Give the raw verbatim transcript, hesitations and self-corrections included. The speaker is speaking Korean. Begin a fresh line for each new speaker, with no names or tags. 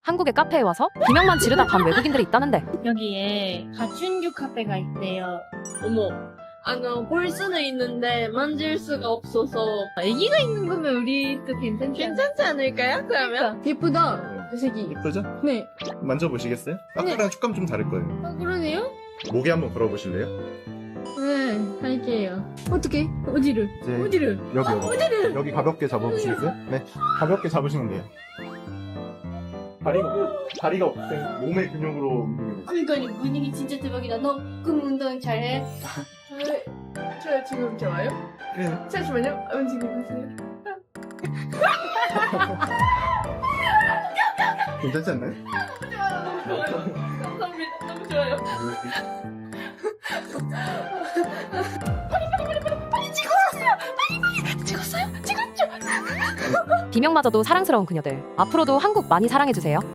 한국의 카페에 와서 비명만 지르다 간 외국인들이 있다는데
여기에 가춘규 카페가 있대요.
어머, 아, 나 볼 수는 있는데 만질 수가 없어서 애기가 있는 거면 우리도 괜찮지, 괜찮지 않을까요? 그러면?
예쁘다. 그 색이.
예쁘죠?
네.
만져보시겠어요? 아까랑 촉감 좀 다를 거예요.
아, 그러네요?
목에 한번 걸어보실래요?
네, 할게요. 어떻게? 어디를?
이제
어디를?
여기 여기
어디를?
여기 가볍게 잡아보시겠어요? 네, 가볍게 잡으시면 돼요. 다리가 다리가 없으면 몸의 근육으로 움직이는 거예요.
그러니까 분위기 진짜 대박이다. 너 그럼 운동 잘해?
저 지금 좋아요?
네.
잠시만요. 움직여보세요.
괜찮지 않나요?
감사합니다. 너무 좋아요.
비명마저도 사랑스러운 그녀들. 앞으로도 한국 많이 사랑해주세요.